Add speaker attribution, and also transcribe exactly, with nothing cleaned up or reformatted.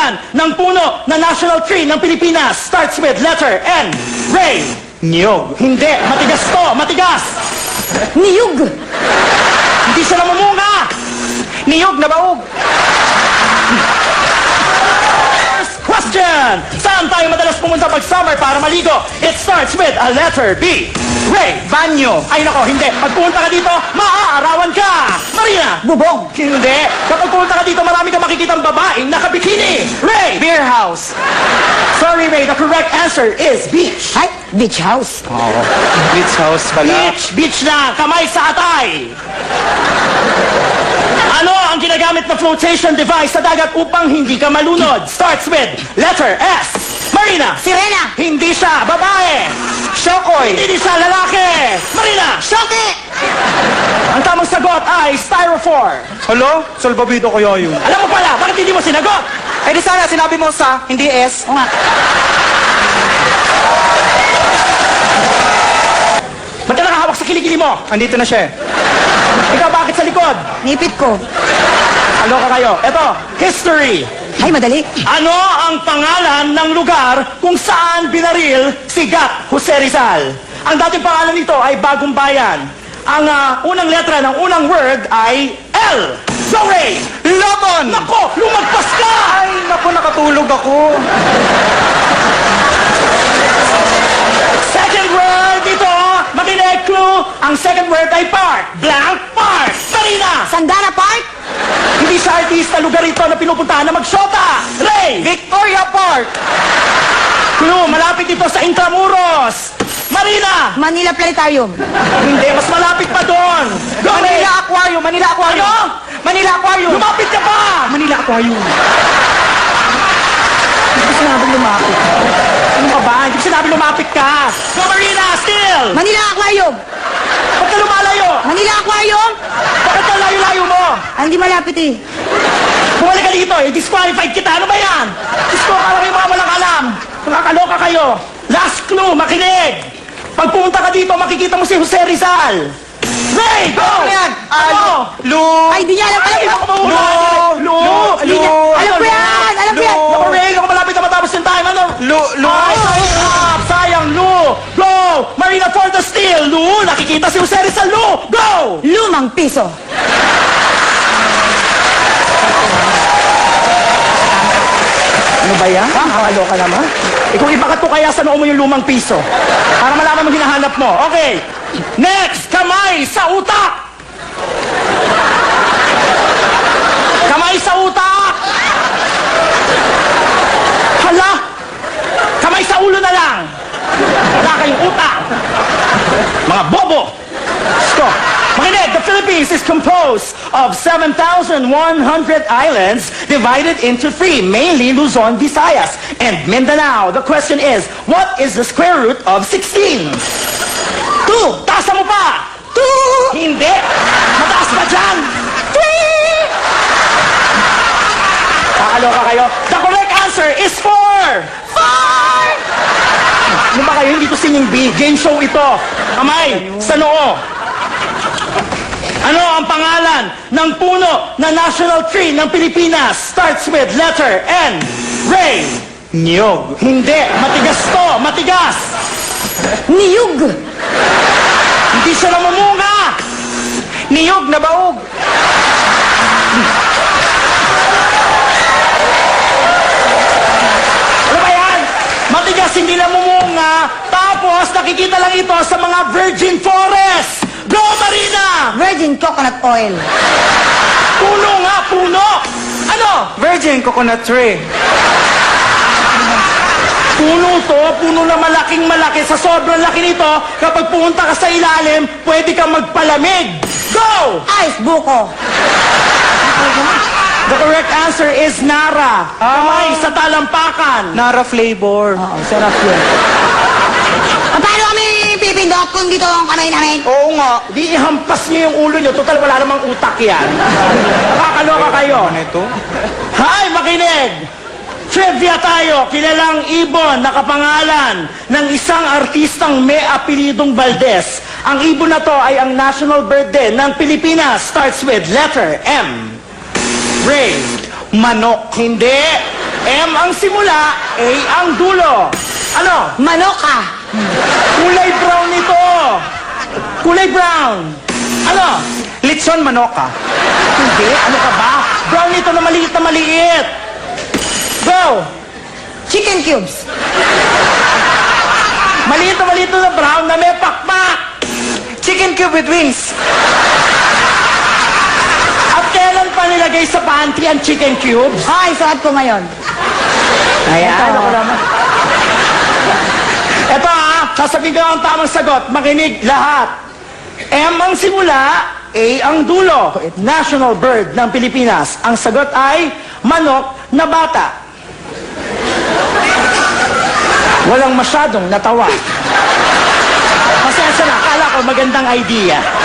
Speaker 1: pangalan ng puno na national tree ng Pilipinas starts with letter N. Ray.
Speaker 2: Niyog.
Speaker 1: Hindi. Matigas to. Matigas.
Speaker 3: Niyug.
Speaker 1: Hindi siya namumunga.
Speaker 2: Niyog na baog.
Speaker 1: First question. Saan tayo madalas pumunta pag summer para maligo? It starts with a letter B. Ray.
Speaker 2: Banyo.
Speaker 1: Ay nako, hindi. Pag pumunta ka dito, maaarawan ka. Marina.
Speaker 3: Bubong.
Speaker 1: Hindi. Kapag pumunta ka dito, marami ka makikitang babaeng nakabikini. Ray.
Speaker 2: Beer house.
Speaker 1: Sorry, Ray. The correct answer is beach.
Speaker 3: Ay, beach house.
Speaker 2: Oo. Beach house pala.
Speaker 1: Beach. Beach na. Kamay sa atay. Ano ang ginagamit na flotation device sa dagat upang hindi ka malunod? Starts with letter S. Marina.
Speaker 3: Sirena.
Speaker 1: Hindi siya. Babae.
Speaker 2: Shokoy.
Speaker 1: Hindi siya. Lalaki. Marina.
Speaker 3: Shoki.
Speaker 1: Ang tamang sagot ay styrofoam.
Speaker 2: Hello? Salbabido kaya yun.
Speaker 1: Alam mo pala, bakit hindi mo sinagot?
Speaker 2: Eh di sana sinabi mo sa, hindi S.
Speaker 3: O nga.
Speaker 1: Ba't ka nakahawak sa kilikili mo?
Speaker 2: Andito na siya eh.
Speaker 1: Ikaw bakit sa likod?
Speaker 3: Nipit ko.
Speaker 1: Ano ka kayo? Eto, history.
Speaker 3: Ay, madali.
Speaker 1: Ano ang pangalan ng lugar kung saan binaril si Gat Jose Rizal? Ang dating pangalan nito ay Bagong Bayan. Ang ah, unang letra ng unang word ay L. Go, Ray!
Speaker 2: Lobon!
Speaker 1: Nako, lumagpas ka!
Speaker 2: Ay, naku, nakatulog ako.
Speaker 1: Second word ito, makinig clue. Ang second word ay park. Blank park. Marina!
Speaker 3: Sandana Park.
Speaker 1: Hindi siya artista, lugar ito na pinupuntahan na magsyota. Ray!
Speaker 2: Victoria Park!
Speaker 1: Clue, malapit ito sa Intramuros. Marina!
Speaker 3: Manila Planetarium.
Speaker 1: Hindi, mas malapit pa doon. Go, Ray!
Speaker 2: Manila Aquarium! Manila Aquarium!
Speaker 1: Ano?
Speaker 2: Manila Aquarium!
Speaker 1: Lumapit ka pa!
Speaker 2: Manila Aquarium!
Speaker 1: Hindi ko sinabing lumapit. Ano ka ba? Hindi ko sinabing lumapit ka. Go, Marina! Still!
Speaker 3: Manila Aquarium.
Speaker 1: Ba't ka lumalayo?
Speaker 3: Manila Aquarium.
Speaker 1: Bakit ka layo-layo mo?
Speaker 3: Ay, hindi malapit eh.
Speaker 1: Bumalik ka dito eh. Disqualified kita. Ano ba yan? Diyos ko, parang kayo mga walang alam. Nakakaloka kayo. Last clue, makinig. Pag pumunta ka dito, makikita mo si Jose Rizal. Ray, go!
Speaker 2: Ano yan?
Speaker 1: Ano?
Speaker 2: Lu...
Speaker 3: Ay, di niya alam.
Speaker 1: Ay,
Speaker 3: Alam
Speaker 1: ako
Speaker 3: ko.
Speaker 1: mahula. Lu!
Speaker 3: Hindi niya- Alam ko yan. Alam ko yan.
Speaker 1: Ako, Ray, ako malapit na matapos yung time. Ano?
Speaker 2: Lu... Lu...
Speaker 1: Ay, sayang, sayang, Lu! Go! Marina for the steal, Lu! Nakikita si Jose Rizal, Lu! Go!
Speaker 3: Lumang piso.
Speaker 1: Ano ba yan? Nakakaloka naman. Eh kung ipakato kaya sa noo mo yung lumang piso. Para malaman mo hinahanap mo. Okay. Next, kamay sa utak. Kamay sa utak. Hala. Kamay sa ulo na lang. Wala kayong utak. Mga bobo. Gusto. Makinig, the Philippines is composed of seven thousand one hundred islands divided into three, mainly Luzon, Visayas, and Mindanao. The question is, what is the square root of sixteen? Two! Taasa mo pa! Two! Hindi! Mataas pa dyan! Three! Kakaloka kayo. The correct answer is four! Four! Ano ba kayo? Hindi to singing bee. Game show ito. Kamay, sa noo. Ano ang pangalan ng puno na national tree ng Pilipinas? Starts with letter N. Ray.
Speaker 2: Niyog.
Speaker 1: Hindi. Matigas to. Matigas.
Speaker 3: Niyug.
Speaker 1: Hindi siya namumunga.
Speaker 2: Niyog na baog.
Speaker 1: Ano ba yan? Matigas, hindi namumunga. Tapos nakikita lang ito sa mga virgin forest. Go, Marina!
Speaker 3: Virgin coconut oil.
Speaker 1: Puno nga, puno. Ano?
Speaker 2: Virgin coconut tree.
Speaker 1: Puno to, puno na malaking malaki. Sa sobrang laki nito, kapag pumunta ka sa ilalim, pwede kang magpalamig. Go!
Speaker 3: Ice buko.
Speaker 1: The correct answer is Nara. Kamay sa talampakan.
Speaker 2: Nara flavor.
Speaker 3: Oo, sarap yun. Paano kami pipindot kung dito ang kamay namin?
Speaker 1: Oo nga, di ihampas niyo yung ulo niyo. Total, wala namang utak yan. Nakakaloka kayo.
Speaker 2: Ano ito?
Speaker 1: Hay, makinig! Trivia tayo, kilalang ibon na kapangalan ng isang artistang may apelidong Valdez. Ang ibon na to ay ang national bird din ng Pilipinas. Starts with letter M. Ray.
Speaker 2: Manok.
Speaker 1: Hindi. M ang simula, A ang dulo. Ano?
Speaker 3: Manok ka.
Speaker 1: Kulay brown ito. Kulay brown. Ano?
Speaker 2: Litson manoka.
Speaker 1: Hindi, ano ka ba? Brown ito na maliit na maliit. Go!
Speaker 3: Chicken cubes.
Speaker 1: Maliit na maliit na brown na may pakpak.
Speaker 2: Chicken cube with wings.
Speaker 1: At kailan pa nilagay sa pantry ang chicken cubes?
Speaker 3: Ay, suot ko ngayon.
Speaker 1: Ayan. Ako naman. Ito ah, sasabihin ko ang tamang sagot. Makinig lahat. M ang simula, A ang dulo. National bird ng Pilipinas. Ang sagot ay manok na bata. Walang masyadong natawa. Pasensya na, akala ko magandang idea.